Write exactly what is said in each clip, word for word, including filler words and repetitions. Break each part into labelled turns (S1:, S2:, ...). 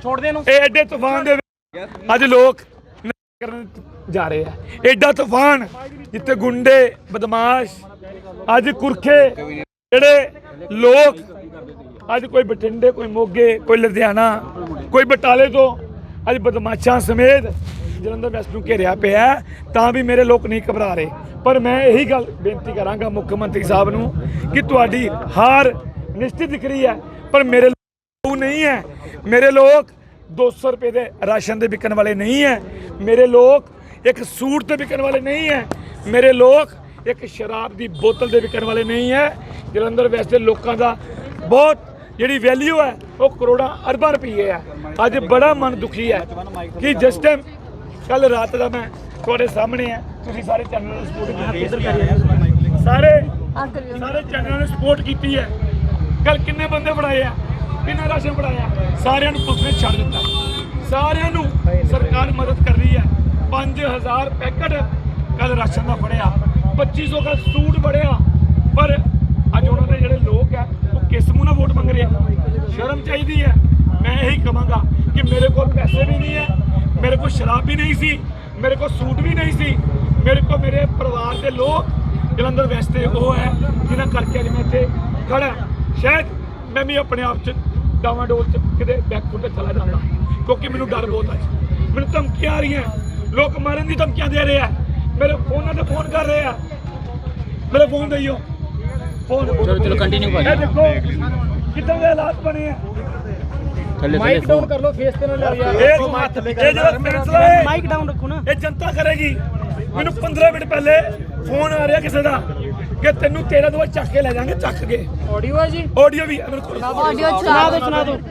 S1: ਛੋੜਦੇ ਨੂੰ
S2: ਇਹ ਐਡੇ ਤੂਫਾਨ ਦੇ ਅੱਜ ਲੋਕ ਕਰਨ ਜਾ ਰਹੇ ਆ। ਐਡਾ ਤੂਫਾਨ ਜਿੱਥੇ ਗੁੰਡੇ ਬਦਮਾਸ਼ ਅੱਜ ਕੁਰਖੇ ਜਿਹੜੇ ਲੋਕ ਅੱਜ ਕੋਈ ਬਠਿੰਡੇ ਕੋਈ ਮੋਗੇ ਕੋਈ ਲੁਧਿਆਣਾ ਕੋਈ ਬਟਾਲੇ ਤੋਂ ਅੱਜ ਬਦਮਾਸ਼ਾਂ ਸਮੇਤ ਜਲੰਧਰ ਵੈਸਟ ਨੂੰ ਘੇਰਿਆ ਪਿਆ ਤਾਂ ਵੀ ਮੇਰੇ ਲੋਕ ਨਹੀਂ ਘਬਰਾ ਰਹੇ। ਪਰ ਮੈਂ ਇਹੀ ਗੱਲ ਬੇਨਤੀ ਕਰਾਂਗਾ ਮੁੱਖ ਮੰਤਰੀ ਸਾਹਿਬ ਨੂੰ ਕਿ ਤੁਹਾਡੀ ਹਾਰ ਨਿਸ਼ਚਿਤ ਦਿਖ ਰਹੀ ਹੈ ਪਰ ਮੇਰੇ ਲੋਕ ਨਹੀਂ ਹੈ। ਮੇਰੇ ਲੋਕ दो सौ रुपये के राशन के बिकन वाले नहीं है। मेरे लोग एक सूट से बिकन वाले नहीं है। मेरे लोग एक शराब की बोतल से बिकन वाले नहीं है। जलंधर वैसे लोगों का बहुत जी वैल्यू है वो करोड़ा अरबा रुपये है। अज बड़ा मन दुखी है कि जिस टाइम कल रात का मैं थोड़े सामने है तुम सारे चैनल सपोर्ट सारे सारे चैनल ने सपोर्ट की है। कल किन्ने बंदे बढ़ाए हैं किन्ना राशन बढ़ाया सारे पुलिस ने छड़ दिता। सारे सरकार मदद कर रही है। पाँच हज़ार पैकेट कल राशन का फड़िया पच्ची सौ का सूट फड़िया पर अज उन्होंने जोड़े लोग है वो किस मुँह ना वोट मंग रहे हैं। शर्म चाहिए है। मैं यही कहूँगा कि मेरे को पैसे भी नहीं है मेरे को शराब भी नहीं सी मेरे को सूट भी नहीं सी मेरे को मेरे परिवार के लोग जलंधर वैसे वो है जिन्हें करके अज मैं इतने खड़ा शायद मैं भी अपने आप च डावाडोल च किते बैकफुट चला जाता क्योंकि मैंने डर बहुत है। मैंने धमकियां आ रही हैं लोग मारन की धमकियां दे रहे हैं मेरे फोन से फोन कर रहे हैं मेरे फोन दियो फोन चलो चलो कंटिन्यू भाई देखो कितने हालात बने हैं। माइक डाउन कर लो फेस पे ना यार माइक डाउन रखो ना ये जनता करेगी। मैंने पंद्रह मिनट पहले फोन आ रहा किसी का कि तेनू तेरह दो चक के ले जाएंगे चक के ऑडियो है जी ऑडियो भी ऑडियो सुना दो सुना दो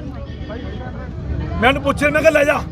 S2: मैंने पूछे मैं ले जा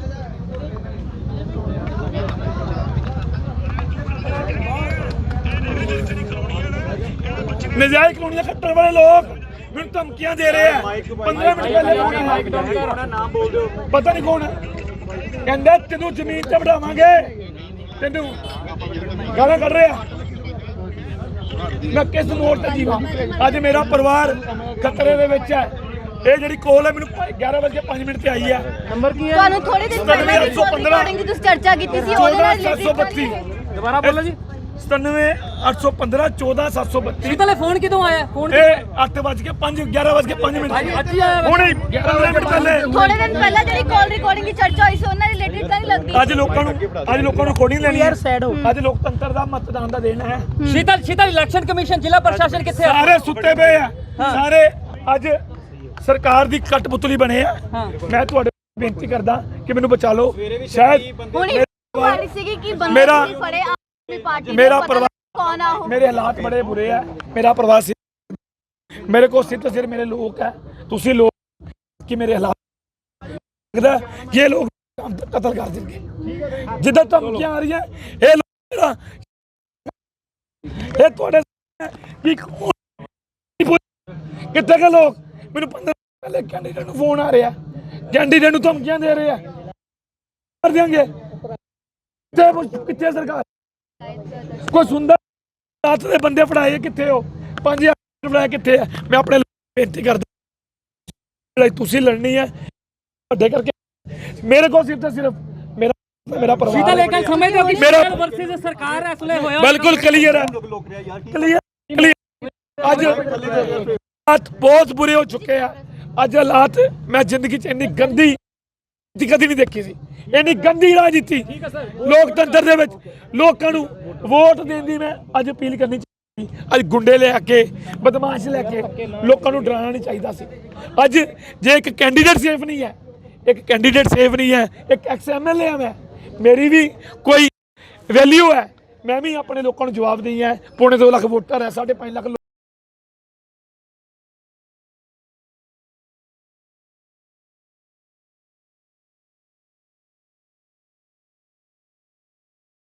S2: नजायज कॉलोनियां कट्टर वाले लोग मैंने धमकियां दे रहे हैं। पंद्रह मिनट पहले नाम बोल दो पता नहीं कौन है कहते तेनू जमीन से बढ़ावांगे तेनू गाला कट रहे हैं। मैं किस मोड़ से जीवा अज मेरा परिवार खतरे दे विच है। ये जिहड़ी कॉल है मैनूं ग्यारह बज के पाँच मिनट से आई है। नंबर की है तुहानूं थोड़े दिन पहले रिकॉर्डिंग की तुसीं चर्चा कीती सी ओहदे नाल सात सौ बत्ती दोबारा बोलो जी सतानवे अठ सौ पंद्रह चौदह सात सौ बत्ती शीतल फोन कितों आया फोन ये अठ बज के पाँच ग्यारह बज के पाँच मिनट हुणे पंद्रह मिनट पहले थोड़े दिन पहले जिहड़ी कॉल रिकॉर्डिंग की चर्चा हुई सी उहनां रिलेटेड तां नहीं लगदी अज लोकां नूं अज लोकां नूं रिकॉर्डिंग लेनी है। अज लोकतंत्र दा मतदान दा दिन है।
S1: शीतल शीतल इलेक्शन कमीशन जिला प्रशासन किथे है
S2: सारे सुत्ते पे है सारे अज सरकार दी कठपुतली बने हैं। मैं तुहाडे बेनती करदा कि मैनूं बचा लो शायद मेरा मेरा परिवार मेरे हालात बड़े बुरे है। मेरा प्रवासी मेरे को सिर तो सिर मेरे लोग है तुसी लोग कि मेरे हालात लगता है ये लोग कत्ल कर देंगे जिधर धमकियां आ रही है ये लोग ये थोड़े कितने के लोग मैंने पंद्रह पहले कैंडीडेट को फोन आ रहा है कैंडीडेट को धमकियां दे रहे हैं कर देंगे कितने सरकार कोई सुंदर रात के बंदे फड़ाए कितने हो पांच हजार फड़ाए कितने है। मैं अपने बेनती करता तुसी लड़नी है बड़े करके मेरे को सिर्फ सिर्फ मेरा मेरा परिवार मेरा
S1: सरकार है
S2: बिल्कुल क्लियर है क्लियर क्लियर अज हालात बहुत बुरे हो चुके हैं। अज हालात मैं जिंदगी च इन्नी गंदी कदी नहीं देखी सी इन्नी गंदी राजनीति लोकतंत्र दे विच लोकां नूं वोट देण दी मैं अज अपील करनी चाहिए। अज गुंडे लैके बदमाश लैके लोकां नूं डराना नहीं चाहिदा सी। अज जे एक कैंडीडेट सेफ नहीं है एक कैंडीडेट सेफ नहीं है एक एक्स एम एल ए मैं मेरी भी कोई वैल्यू है मैं भी अपने लोगों को जवाब दी है। पौने दो लाख वोटर है साढ़े पाँच लाख